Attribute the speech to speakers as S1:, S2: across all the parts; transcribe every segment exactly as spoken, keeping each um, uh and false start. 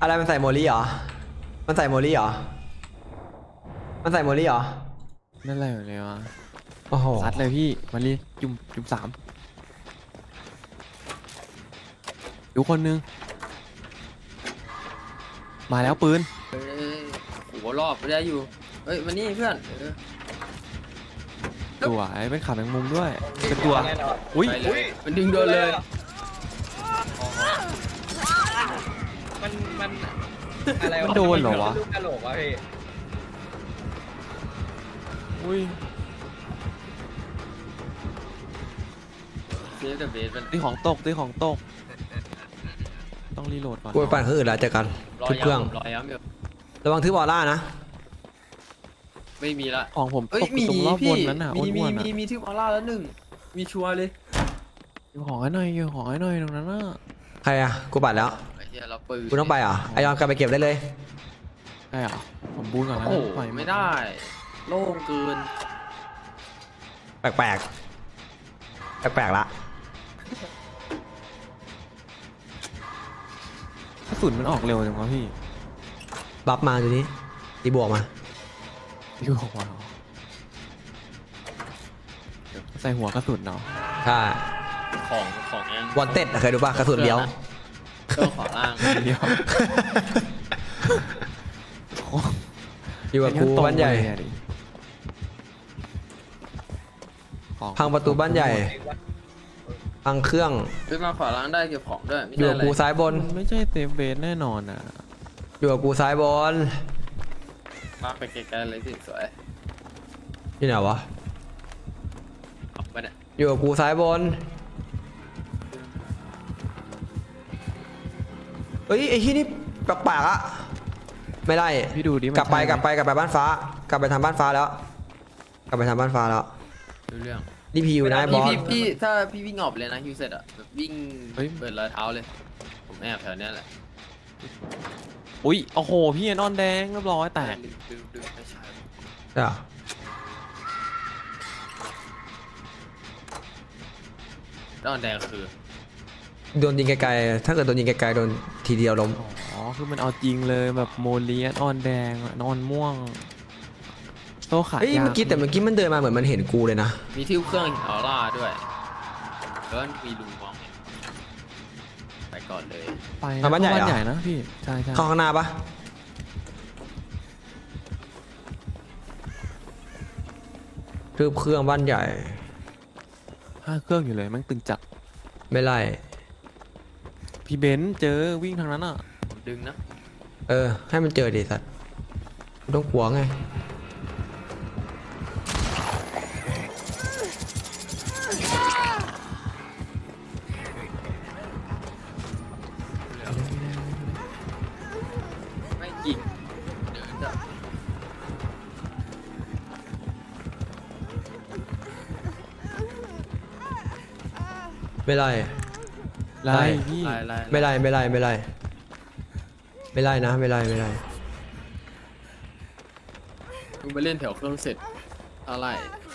S1: อะไรมันใส่โมลี่เหรอมันใส่โมลี่เหรอมันใส่โมลี่เหรอ
S2: นั่นอะไรเลยวะ
S1: โอ้โห
S2: ซัดเลยพี่มาลีจุ่มจุ่มสามอยู่คนนึงมาแล้วปืน
S3: เอ้ยหัวรอบไม่ได้อยู่เฮ้ยมานี่เพื่อนเออ
S2: ตัวไอ้เป็นขาแมงมุมด้วยเป็นตัวอุ้ย
S3: ไปเลยมันดึงโดนเลย
S4: มันมันอะไรวะ
S2: มันโดนเหรอวะ
S4: ลูกกระโหลกวะพี่
S2: อุ้ย
S3: เซฟแต่เบสมัน
S2: ตีของตกตีของตกต้องรีโหลดก่อน
S1: กูไปปั่นเครื่องอื่นแล้วเจอกัน
S3: รอ
S1: ทุบเครื่อง
S3: ย้ำรอย้ำอยู่
S1: ระวังทึบบอลล่านะ
S3: ไม่มีละ
S2: ของผม
S3: เอ้ย
S2: ตกอ
S3: มี
S2: ยู่ตรงรอบ
S3: พี่
S2: บนนั้นน่ะ
S3: มีมี
S2: อ้วนๆ
S3: มี
S2: น่ะ
S3: มีที่ออร่าแล้วหนึ่งมีชัวร์เลย
S2: อยู่ของให้หน่อยอยู่ของให้หน่อยตรงนั้นน่ะ
S1: ใครอะกูปั่นแล้ว
S3: ไอ้เหี้ยเราปืน
S1: กูต้องไปเหรอไอยอนกลับไปเก็บได้เลย
S2: ใช่เหรอผมบูนก่อนนะ
S3: โอ้โห
S2: ปล่อย
S3: ไม่ได้โล่งเกิน
S1: แปลกแปลกแปลกๆละ
S2: กระสุนมันออกเร็วจังวะพี่
S1: บัฟมาดูนี้ตีบวกมา
S2: อยู่ว้าวใส่หัวกระสุนเนาะ
S1: ใช่
S3: ของของเอง
S1: วันเต็ดเคยดูป่ะกระสุนเลี้ยว
S3: เครื่องขอล่าง
S2: เดียว
S1: อยู่กับกูบ้านใหญ่ พังประตูบ้านใหญ่ พังเครื่อง
S3: ขึ้นมาขอล่างได้เก็บของด้วยไม่
S1: อยู่
S3: ได้
S1: กับ
S3: อะไร
S1: กูซ้ายบน
S2: มันไม่ใช่เซฟเบสแน่นอนอ่ะ
S1: อยู่กับกูซ้ายบน
S3: มาไปไกลๆเลยสิสวย
S1: ที่ไหนวะ
S3: ออกไปเนี่ย
S1: อยู่กับกูซ้ายบนเอ้ยไอ้ที่นี่แปลกๆอะไม่ได้
S2: พี่ดูดิมัน
S1: กลับไป
S2: ใช่หม
S1: กลับไปกลับไปบ้านฟ้า กลับไปทำบ้านฟ้าแล้ว กลับไปทำบ้านฟ้าแล้ว
S3: ดูเรื่อง
S1: นี่พีอยู่นะไอ้บ
S3: พี่
S1: อส
S3: พี่พี่ถ้าพี่วิ่งออกเลยนะฮิวเสร็จอะแบบวิ่งเปิดรอยเท้าเลย ผมแอบแถวเนี้ยแหละ
S2: อุ้ยโอ้โหพี่นอนแดงเรียบร้อยแตก
S3: ดึงดึงดึงไม่ใช่
S1: ใช่เหรอ
S3: ด้านแดงคือ
S1: โดนยิงไกลๆถ้าเกิดโดนยิงไกลๆโดนทีเดียวล้ม
S2: อ๋อคือมันเอาจริงเลยแบบโมเลียนออนแดงนอนม่วงโซ่ขา
S1: เฮ้ย
S2: ยาว
S1: เมื่อกี้แต่เมื่อกี้มันเดินมาเหมือนมันเห็นกูเลยนะ
S3: มีที่เครื่องออร่าด้วยแล้วมีลุงมองเห็นไปก่อนเลย
S2: ไปนะ
S1: มาบ้านใหญ่เหรอ
S2: เข้ใหญ่นะพี่ใช่ใช่
S1: เข้าข้างหน้าปะทืบเครื่องบ้านใหญ่
S2: ห้าเครื่องอยู่เลยแมันตึงจัด
S1: ไม่ไล่
S2: พี่เบนซ์เจอวิ่งทางนั้นอ่ะ
S3: ผมดึงนะ
S1: เออ ให้มันเจอดิสัตว์ไม่ต้องหัวงไง
S3: ไม่ยิงเดินจะ
S1: ไม่ไล่
S2: ไล่พี่
S3: ไล่ไล่
S1: ไม่ไล่ไม่ไล่ไม่ไล่ไม่ไล่นะไม่ไล่ไม่ไล่
S3: มึงไปเล่นแถวเครื่องเสร็จอะไร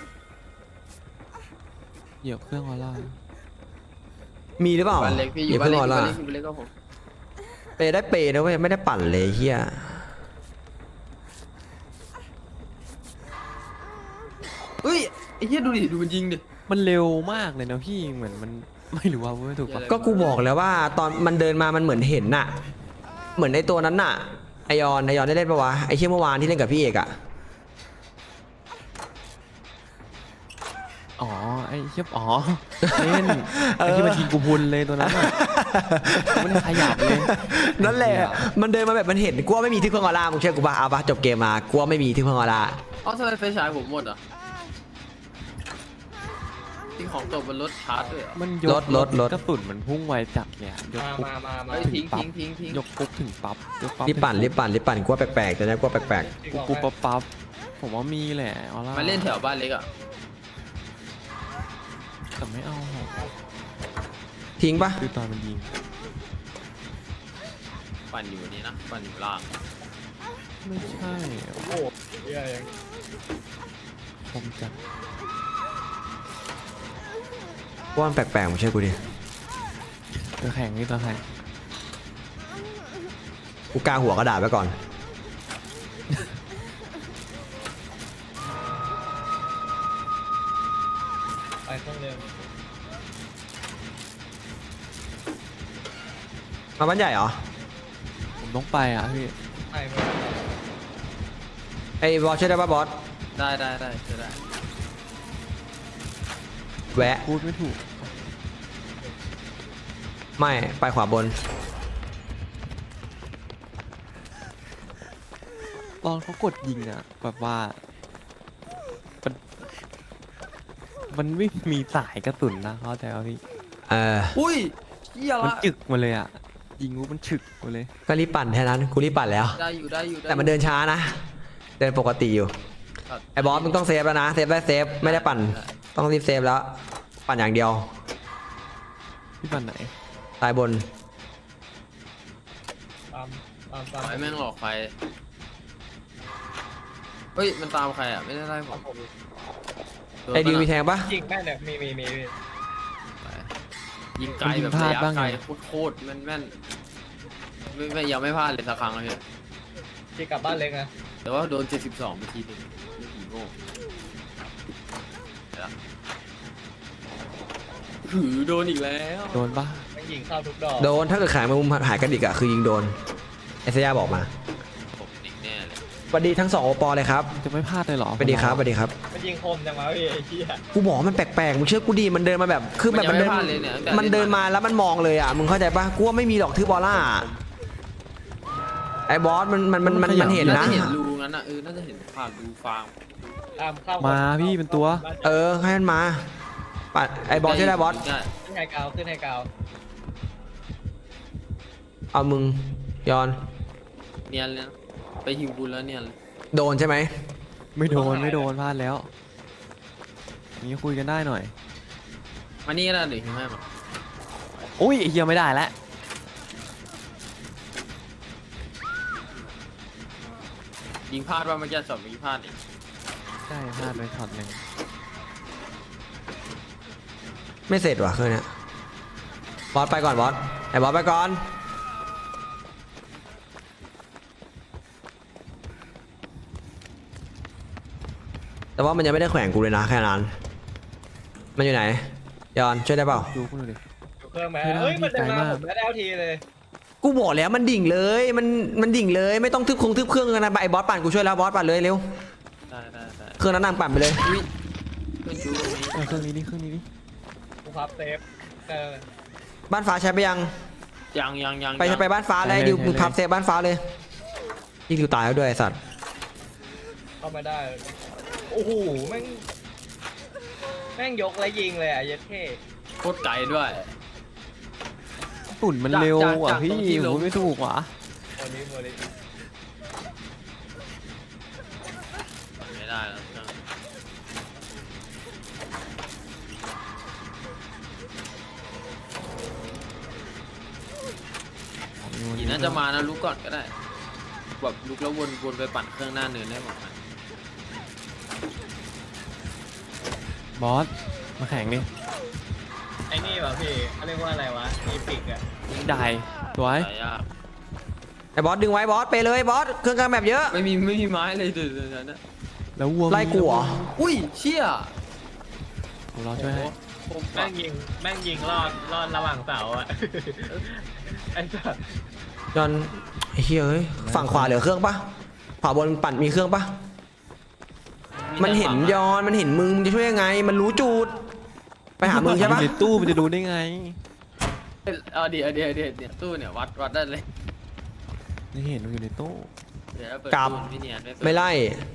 S2: เหยียบเครื่องออร่า
S1: มีหรือเปล่า
S3: บ้านเล็กพี่อ
S1: อย่
S3: ยู่
S1: ย่า
S3: บ้าน
S1: เพิ่ง
S3: เล็ก
S1: รอ
S3: อยู่บ้าน
S1: ละ
S3: เล็กอยู่บ้านเล็กก็ผม
S1: เปย์ได้เปย์นะเว้ยไม่ได้ปั่นเลยเฮีย
S3: เฮ้ยไอ้เหี้ยดูดิดูมันยิงดิ
S2: มันเร็วมากเลยนะพี่เหมือนมันไม่รู้ว่าไม่ถูกปะ
S1: ก็กูบอกแล้วว่าตอนมันเดินมามันเหมือนเห็นน่ะ เหมือนในตัวนั้นน่ะไอยอนไอยอนได้เล่นปะวะไอเชี่ยเมื่อวานที่เล่นกับพี่เอกอะ
S2: อ๋อไอ้เชี่ยอ๋อเล่นไอ้ที่มันยิงกูพุนเลยตัวนั้นอะมันขยับเลย
S1: นั่นแหละมันเดินมาแบบมันเห็นกลัวไม่มีที่เพิ่งออร่ามึงเชื่อกูปะเอาปะจบเกมมากลัวไม่มีที่เพิ่งออร่า
S3: เอ้าทำไมไฟฉายผมหมดอ่ะทิ้งของตกบนรถชาร์จด้วยเหรอ
S2: มันยกกระสุนมันพุ่งไวจัดเนี่ยยก
S4: มา
S2: ปุ๊บ
S4: มามามา
S3: เฮ้ยทิ้งทิ้งทิ้งทิ้ง
S2: ยกปุ๊บถึงปั๊บยกปั๊บ
S1: รีบปั่นรีบปั่นรีบปั่นกลัวแปลกๆแต่นะกลัวแปลก
S2: ปุ๊บปั๊บปั๊บผมว่ามีแหละออร่า
S3: มาเล่นแถวบ้านเล็กอ่ะ
S2: แต่ไม่เอา
S1: ๆทิ้งปะ
S2: คือตอนมันยิง
S3: ปั่นอยู่นี่นะปั่นอยู่ล่าง
S2: ไม่ใช่
S4: โอ้โหเหี้ยยัง
S2: ผมจัด
S1: กลัวมันแปลกๆมึงเชื่อกูดิ
S2: ตัวแข่งนี่ตัวแข่ง
S1: กูกาหัวกระดาษไว้ก่อน
S4: ไปเครื่องเร็ว
S1: มาบ้านใหญ่เหรอ
S2: ผมต้องไปอ่ะพี่
S4: ไปไม่ได้
S1: ไอ้บอสช่วยได้ป่ะบอส
S3: ได้ได้ได้เจอได้
S1: แวะ
S2: พูดไม่ถูก
S1: ไม่ไปขวาบน
S2: ตอนเขากดยิงอ่ะแบบว่ามันมันไม่มีสายกระสุนนะเข้าใจป่ะพี่
S1: เออ
S3: อุ้ยเชี่ย
S2: มัน
S3: ละ
S2: จึกมาเลยอ่ะยิงกูมันฉึกมาเลย
S1: ก็รีบปั่นแค่นั้นกูรีบปั่นแล้ว
S3: ได้อยู่ได้อยู่ได้อยู่
S1: แต่มันเดินช้านะ เดินปกติอยู่
S3: ครับ
S1: ไอ้บอสมึงต้องเซฟแล้วนะ เซฟได้เซฟ ไม่ได้ปั่น ต้องรีบเซฟแล้ว ปั่นอย่างเดียว
S2: พี่ปันไหน
S1: ตายบน
S4: ตามตามตาม
S3: ไอ้แม่งหลอกใครเฮ้ยมันตามใครอ่ะไม่ได้ไล่ผ
S4: ตาม
S3: ม
S4: ผม
S3: โน
S1: ไอ้ดิวมี
S3: ปะ
S1: แท
S3: น่ะ
S1: งปะ
S4: ยิงแม่นเนี่ยมีมีมีมี
S3: ยิงไกลแบบระยะไกลโคตรๆแม่นแม่นๆไม่ไม่ยังไม่พลาดเลยสักครั้งเลยพี่
S4: ที่กลับบ้านเล็กนะ
S3: แต่ว่าโดนเจ็ดสิบสองเมื่อกี้นึงไม่กี่โง่เดี๋ยวนะหือโดนอีกแล้ว
S2: โดนปะ
S4: แม่งยิงเข้าทุกดอก
S1: โดน ถ้าเกิดขายมามุมหายกระดิกอะคือยิงโดนไอเซียบอกมา
S3: ผมดิกแน่เลย
S1: สวัสดีทั้งสองโอปอเลยครับ
S2: จะไม่พลาดเลยเหรอ
S1: สวัสดีครับสวัสดีครับ
S4: มันยิงคมจังวะพี่ไอ้เหี้ย
S1: กูบอกว่ามันแปลกๆ มึงเชื่อกูดี มันเดินมาแบบ คือแบบมันเดิน
S3: ยังไพลาดเลยเนี่ยตั้งแต่
S1: มันเดินมาแล้วมันมองเลยอ่ะ มึงเข้าใจปะกูว่าไม่มีหรอกทือบอลล่า ไอ้บอสมันมันมันมันมันเห็น
S3: น่า
S1: นะ
S3: จะเห็นรูงั้นอ่ะเออน่าจะเห็นผ่านรูฟาง
S4: ตามเข้า
S2: มาพี่เป็นตัว
S1: เออให้มันมาปัดไอ้บอสช่วยได้บอส
S3: ได้
S4: ขึ้นไฮกราวขึ้นไฮกราว
S1: เอามึงยอน
S3: เนียนเลยนะไปฮิวบุญแล้วเนียนเลย
S1: โดนใช่ไหม
S2: ไม่โดนไม่โดนพลาดแล้วนี่คุยกันได้หน่อย
S3: มานี่ก็ได้หรือฮิวให้มา
S2: อุ้ยไอ้เฮียไม่ได้แล้ว
S3: ยิงพลาดว่าเมื่อกี้ช็อตเมื่อกี้พลาดอีก
S2: ใช่พลาดไปช็อตหนึ่ง
S1: ไม่เสร็จว่ะคืนเนี้ยบอสไปก่อนบอสไอ้บอสไปก่อนแต่ว่ามันยังไม่ได้แขวนกูเลยนะแค่นั้นมันอยู่ไหนยอนช่วยได้เปล่า
S2: ดูคุณดูดิ
S4: อยู่เครื่องไหม
S2: ไม่ได้
S4: เฮ้ยมันเดิน
S2: ไกล
S4: มาม
S2: าก
S4: ผมไม่ได้เอาทีเลย
S1: กูบอกแล้วมันดิ่งเลยมันมันดิ่งเลยไม่ต้องทึบคงทึบเครื่องกันนะไอ้บอสปั่นกูช่วยแล้วบอสปั่นเลยเร็ว
S3: ได้ได้ได้
S1: เครื่องนั้นนั่งปั่นไปเลย
S3: อุ้ยเครื่องชูตรงนี้
S2: เออเครื่องนี้นี่เครื่องนี้นี่
S4: กูพับเซฟเออ
S1: บ้านฟ้าใช้ไปยัง
S3: ยังยังยัง
S1: ไป
S3: ยัง
S1: ไปบ้านฟ้าเลยดิวมึงพับเซฟบ้านฟ้าเลยยิงดิวตายแล้วด้วยไอ้สัตว์
S4: เข้ามาได้โอ้โหแม่งแม่งยกแล้วยิงเลยอ่ะเย็ดเท่
S3: โคตรไกลด้วย
S2: ตุ่นมันเร็ว
S3: จาก
S2: อ่ะ
S3: จาก
S2: พี่
S3: ตรงที่ลง
S2: ผมไม่ถูกว่ะ
S4: โมลิโมลิ
S3: ไม่ได้แล้วเครื่องอีน่าจะมานะลุกก่อนก็ได้แบบลุกแล้ววนวนไปปั่นเครื่องหน้าเนินได้หมดนะ
S2: บอสมาแข่งดิ
S4: ไอ้นี่วะพี่เขาเรียกว่าอะไรวะอีพิกอ่ะ
S2: ได้สวย
S3: หายาก
S1: ไอ้บอสดึงไว้บอสไปเลยบอสเครื่องกลางแบบเยอะ
S3: ไม่มีไม่มีไม้เลยเดี๋ยวเดี๋ยวเดี๋ยวนะ
S2: แล้ววัว
S1: ไล่กูเหรอ
S3: อุ้ยเชี่ย
S2: ผมรอช่วยให้
S3: โอ้โห
S4: แม่งยิงแม่งยิงรอดรอดระหว่างเสาอ่ะ ไอ้สัส
S1: ยอนไอ้เฮ้ยเอ้ยฝั่งขวาเหลือเครื่องปะขวาบนปั่นมีเครื่องปะมันเห็นยอนมันเห็นมึงมึงจะช่วยยังไง มันรู้จุดไปหามึงใช่ปะ
S2: อยู่ในตู้มันจะดูได้ไง
S3: เอาเดี๋ยวเดี๋ยวเดี๋ยวเนี่ยตู้เนี่ยวัดวัดได้เลย
S2: ไม่เห็นมันอยู่ในตู้
S3: เดี๋ยวเปิด
S1: กลับ
S3: ตู้ไม่เนียนไม่เปิด
S1: ไม่ไล่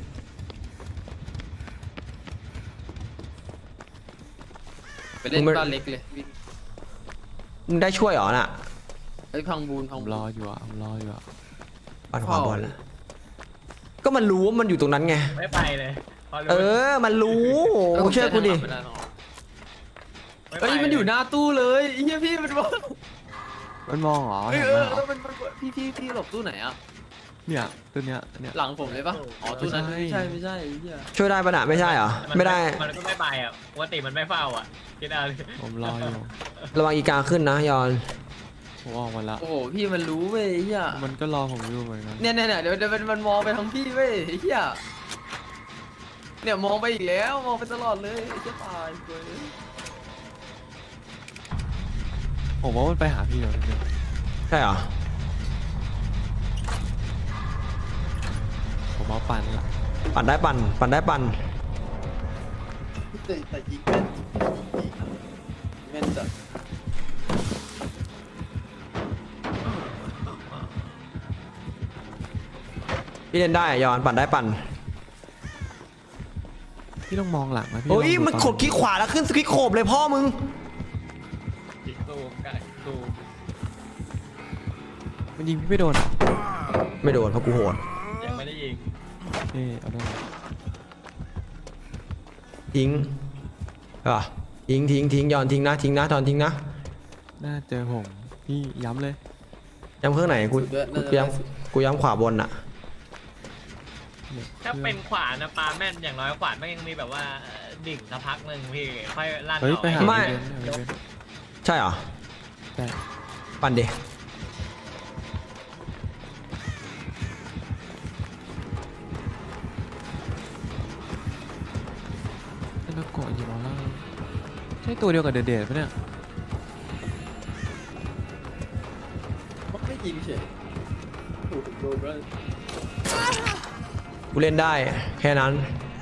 S3: ไปเล่น
S1: มึงไม่
S3: บ้านเล็กเลยวิ่ง
S1: มึงได้ช่วยเหรอน่ะ
S3: เฮ้ยพังบูนพั
S2: ผ
S3: ง
S2: ม
S3: บูน
S2: รออยู่อ่ะผมรออยู่อ่ะ
S1: ปั่นขวาบอลนะก็มันรู้ว่ามันอยู่ตรงนั้นไง
S4: ไม่ไปเลยพอรู้
S1: เออ มันรู้มึงเชื่อกูดิ
S3: ไม่ได้หรอก
S4: ไม่ไป
S3: เฮ้ยมันอยู่หน้าตู้เลยไอ้เหี้ยพี่มันบอก
S2: มันมองเหรอ
S3: เฮ้ย
S2: เห็น
S3: เอ
S2: ไหม
S3: อ
S2: เหร
S3: แล้
S2: อ
S3: วมันมันพี่พี่พี่หลบตู้ไหนอ่ะ
S2: เนี่ยตัวเนี้ยเนี่ย
S3: หลังผมเลยปะอ๋อตู้นั้น
S2: ไม่
S3: ไม่
S2: ใช่
S3: ใช่ไม่ใช่ไอ้เหี้ย
S1: ช่วยได้ปะน่ะไม่ใช่เหรอ
S4: น
S1: ไม่ได้
S4: มันก็ไม่ไปอ่ะปกติมันไม่เฝ้าอ่ะคิดเอาเลย
S2: ผมรออยู่
S1: ระวังอีกาขึ้นนะยอน
S2: ผมออกมาละ
S3: โอ้โหพี่มันรู้เว้ยไอ้เฮีย
S2: มันก็รอผมอยู่เหมือนกัน
S3: เนี่ยเนี่ยเนี่ยเดี๋ยวเดี๋ยวมันมันมองไปทางพี่เว้ยไอ้เฮียเนี่ยมองไปอีกแล้วมองไปตลอดเลยไอ้เฮียตายเว้ย
S2: ผมว่ามันไปหาพี่แล้วเนี่ย
S1: ใช่เหรอ
S2: ผมเอาปั่นละ
S1: ปั่นได้ปั่นปั่นได้ปั่น
S3: แต่แต่ยิงแม่นยิงแม่นจัด
S1: พี่เล่นได้อะยอนปั่นได้ปั่น
S2: พี่ต้องมองหลังนะพี่
S1: โอ้ย
S2: ลอง
S1: มัน
S2: ต
S1: กดคลิกขวาแล้วขึ้นสควิกโขบเลยพ่อมึง
S4: จิกตูมไก่ตูม
S2: มันยิงพี่ไม่โดนเหรอ
S1: ไม่โดนเพราะกูโหด
S4: ยังไม่ได้ยิง
S2: เอ๊ะเอาได้
S1: ทิ้งอ่ะทิ้งทิ้งทิ้งยอนทิ้งนะทิ้งนะตอนทิ้งนะ
S2: น่าเจอผมพี่ย้ำเลย
S1: ย้ำเครื่องไหนกูกูย้ำกูย้ำขวาบนอะ
S2: เนี่ย
S4: ถ้าเป็นขวานะปลาแม่นอย่างน้อยขวานมันยังมีแบบว่าดิ่งสักพักหนึ่งพี่ค่อยลั่น
S2: เฮ้ย
S4: ออก
S2: ไปหา
S1: ไม่
S2: พี่เบนซ์ไปหาพี่เบนซ์
S1: ใช่เหรอ
S2: แต่
S1: ปั่นดิ
S2: ถ้าเราเกาะอยู่แล้วล่างใช่ตัวเดียวกับเดดเดดปะเนี่ย
S3: ไม่ยิงเฉยโอ้โหโดนแล้ว
S1: กูเล่นได้แค่นั้น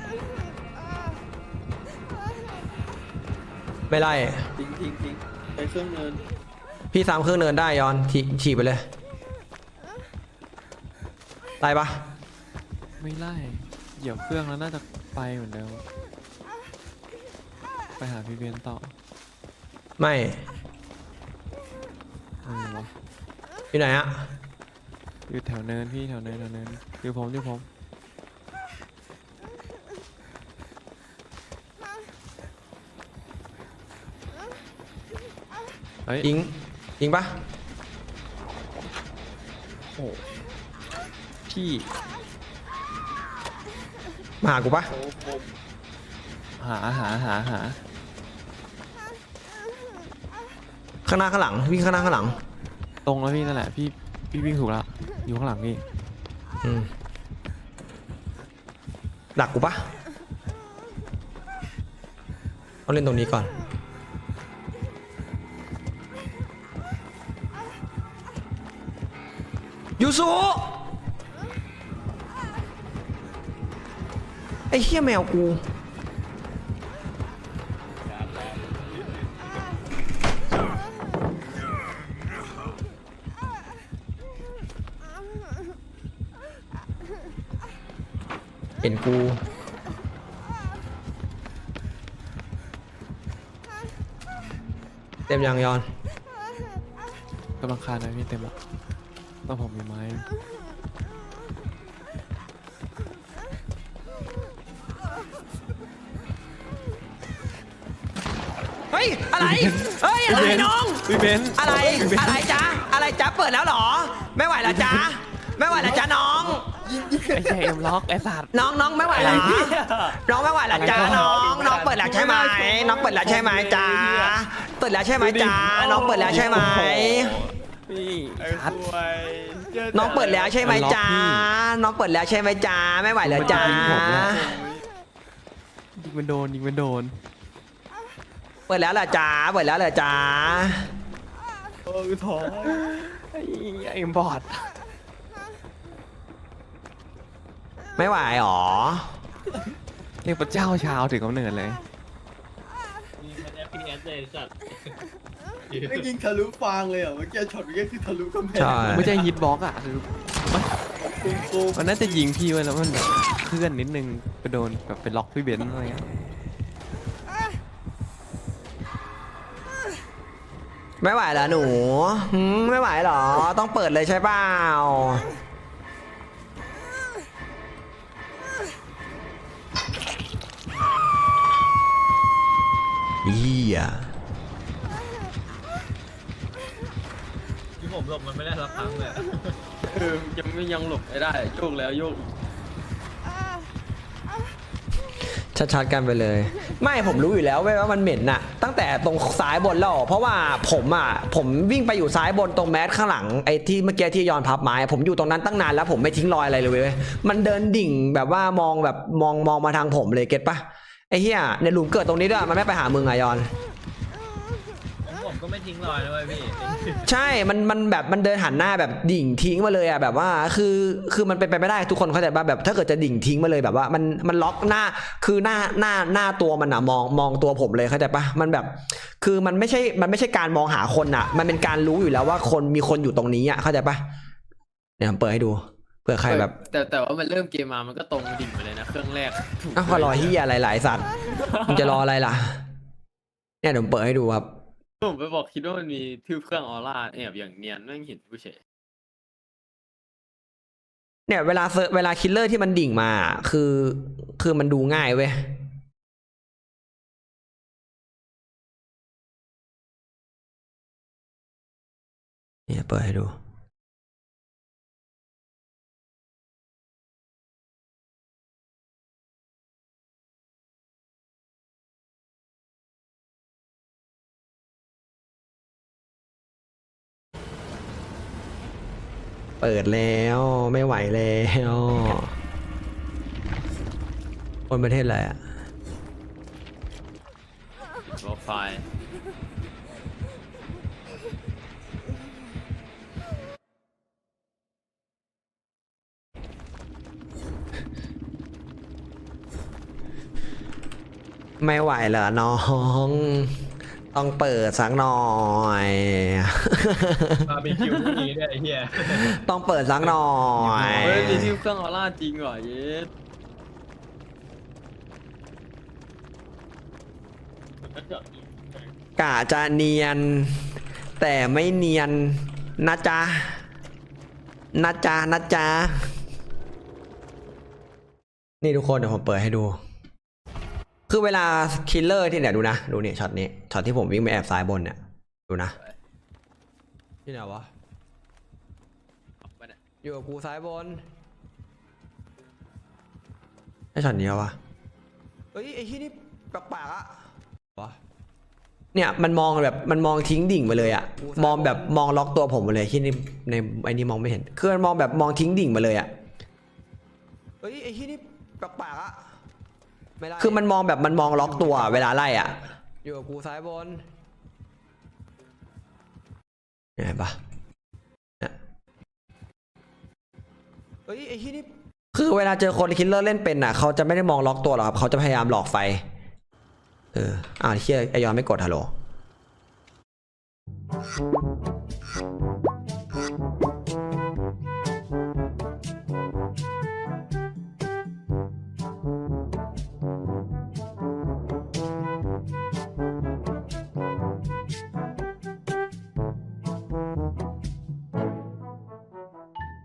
S1: ไม่ไล่
S3: ทิ้งทิ้งทิ้งไปเครื่องเนิน
S1: พี่ซ้ำเครื่องเนินได้ยอนถีฉีบไปเลยไล่ปะ
S2: ไม่ไล่เหยียบเครื่องแล้วน่าจะไปเหมือนเดิมไปหาพี่เบนซ์ต่อ
S1: ไม่
S2: เออวะ
S1: อยู่ไหนอะ
S2: อยู่แถวเนินพี่แถวเนินแถวเนินอยู่ผมอยู่ผมเฮ้ย
S1: ยิงยิงปะ
S2: โอ้พี่
S1: มาหากูปะ
S3: โอ้โห
S2: หาหาหาหา
S1: ข้างหน้าข้างหลังวิ่งข้างหน้าข้างหลัง
S2: ตรงแล้วพี่นั่นแหละพี่พี่วิ่งถูกแล้วอยู่ข้างหลังพี่
S1: อืมดักกูปะเอาเล่นตรงนี้ก่อนยูซุไอ้เหี้ยแมวกูเห็นกูเต็มยังยอน
S2: กำลังคานนะพี่เต็มละต้องผมมีไม้
S1: เฮ้ยอะไรเฮ้ยอะไรน้อง
S2: พี่เบนซ์
S1: อะไรอะไรจ๊ะอะไรจ๊ะเปิดแล้วเหรอ ไม่ไหวแล้วจ๊ะไม่ไหวแล้วจ๊ะน้อง
S2: ไอ้เจเอ็มล็อกไอ้สัตว์
S1: น้องน้องไม่ไหวแล้วน้องไม่ไหวแล้วจ้าน้องน้องเปิดแล้วใช่ไหมน้องเปิดแล้วใช่ไหมจ้าเปิดแล้วใช่ไหมจ้าน้องเปิดแล้วใช่ไหม
S2: พี่
S4: ไอ้
S2: ชัด
S4: ควยเจอแต่
S1: น้องเปิดแล้วใช่ไหมจ้าน้องเปิดแล้วใช่ไหมจ้าไม่ไหวแล้วจ้า
S2: ยิงมันโดนยิงมันโดน
S1: เปิดแล้วเหรอจ้าเปิดแล้วเหรอจ้า
S2: เออท้องไอ้ไอ้บอด
S1: ไม่ไหวหรอ
S2: เรียกพระเจ้าชาวถึงกำเนิดเลย
S4: นี่มัน เอฟ พี เอส เลยสัตว์
S3: ไม่ยิงทะลุฟางเลยอ่ะเมื่อกี้ช็อตเมื่อกี้คือทะลุกำแพง
S1: ใช่
S2: ไม่ใช่ฮิตบ็อกอ่ะคือมัน
S3: ปุ้มปุ้ม
S2: มันน่าจะยิงพี่ไว้แล้วมันแบบเคลื่อนนิดนึงไปโดนแบบไปล็อกพี่เบนซ์อะไรเงี้ย
S1: ไม่ไหวเหรอหนูหืมไม่ไหวเหรอต้องเปิดเลยใช่เปล่าเฮีย
S4: ที่ผมหลบมันไม่ได้สักครั้งเลย
S3: เออยังไม่ยังหลบไม่ได้โยกแล้วโยก
S1: ชัดๆกันไปเลย ไม่ผมรู้อยู่แล้วเว้ยว่ามันเหม็นน่ะตั้งงแต่ตรงซ้ายบนแล้วเพราะว่าผมอ่ะผมวิ่งไปอยู่ซ้ายบนตรงแมสข้างหลังไอ้ที่เมื่อกี้ที่ย้อนพับไม้ผมอยู่ตรงนั้นตั้งนานแล้วผมไม่ทิ้งรอยอะไรเลยเว้ยมันเดินดิ่งแบบว่ามองแบบมองมองมาทางผมเลยเก็ตปะไอ้เหี้ยในหลุมเกิดตรงนี้ด้วยมันไม่ไปหามึงอะยอน
S4: ผมก็ไม่ทิ้งรอยเลยพี่
S1: ใช่ มัน มันแบบ มันเดินหันหน้าแบบดิ่งทิ้งมาเลยอ่ะแบบว่า คือ คือมันเป็นไปไม่ได้ทุกคนเข้าใจป่ะแบบถ้าเกิดจะดิ่งทิ้งมาเลยแบบว่ามัน มันล็อกหน้า คือหน้า หน้า หน้าตัวมันอ่ะมอง มองตัวผมเลยเข้าใจป่ะมันแบบ คือมันไม่ใช่ มันไม่ใช่การมองหาคนอ่ะ มันเป็นการรู้อยู่แล้วว่าคนมีคนอยู่ตรงนี้อ่ะเข้าใจป่ะเนี่ยผมเปิดให้ดูเผื่อใครแบบ
S3: แต่แต่ว่ามันเริ่มเกมมามันก็ตรงดิ่งไปเลยนะเครื่องแรก
S1: อ้าวก็รอเฮียอะไรหลายสัตว์มึงจะรออะไรล่ะเนี่ยเดี๋ยวผมเปิดให้ดูครับ
S3: ผมไปบอกคิดว่ามันมีทืบเครื่องออร่าแอบอย่างเนียนไม่เห็นผู้เฉย
S1: เนี่ยเวลาเซอร์เวลาคิลเลอร์ที่มันดิ่งมาคือคือมันดูง่ายเว้ยเนี่ยเปิดให้ดูเปิดแล้วไม่ไหวแล้วคนประเทศอะไรอ่ะ
S3: โปรไฟล์
S1: ไม่ไหวเหรอน้อง ต้องเปิดสักหน่อย
S4: บาร์บีคิวพวกนี้เนี่ยไอ้เหี้ย
S1: ต้องเปิดสักหน่อย
S3: เฮ้ยมีทืบเครื่องออร่าจริงเหรอเยส
S1: กะจะเนียน แต่ไม่เนียนนะจ๊ะนะจ๊ะนะจ๊ะนี่ทุกคนเดี๋ยวผมเปิดให้ดู คือเวลาคิลเลอร์ที่เนี่ยดูนะดูนี่ช็อตนี้ช็อตที่ผมวิ่งไปแอบซ้ายบนเนี่ยดูนะที่ไหนวะอยู่กับกูซ้ายบนไอ้ช็อตนี้วะเฮ้ยไอ้ที่นี่แปลกๆอะวะเนี่ยมันมองแบบมันมองทิ้งดิ่งไปเลยอะมองแบบมองล็อกตัวผมไปเลยที่นี่ในไอ้นี่มองไม่เห็นคือมันมองแบบมองทิ้งดิ่งไปเลยอะเฮ้ยไอ้ที่นี่แปลกๆอะคือมันมองแบบมันมองล็อกตัวเวลาไล่อ่ะอยู่กับกูซ้ายบนเห็นปะเนี่ยเฮ้ยไอ้ที่นี่คือเวลาเจอคนคิลเลอร์เล่นเป็นอ่ะเขาจะไม่ได้มองล็อกตัวหรอกครับเขาจะพยายามหลอกไฟเอออ่าเชี่ยไอยอนไม่กดฮัลโหล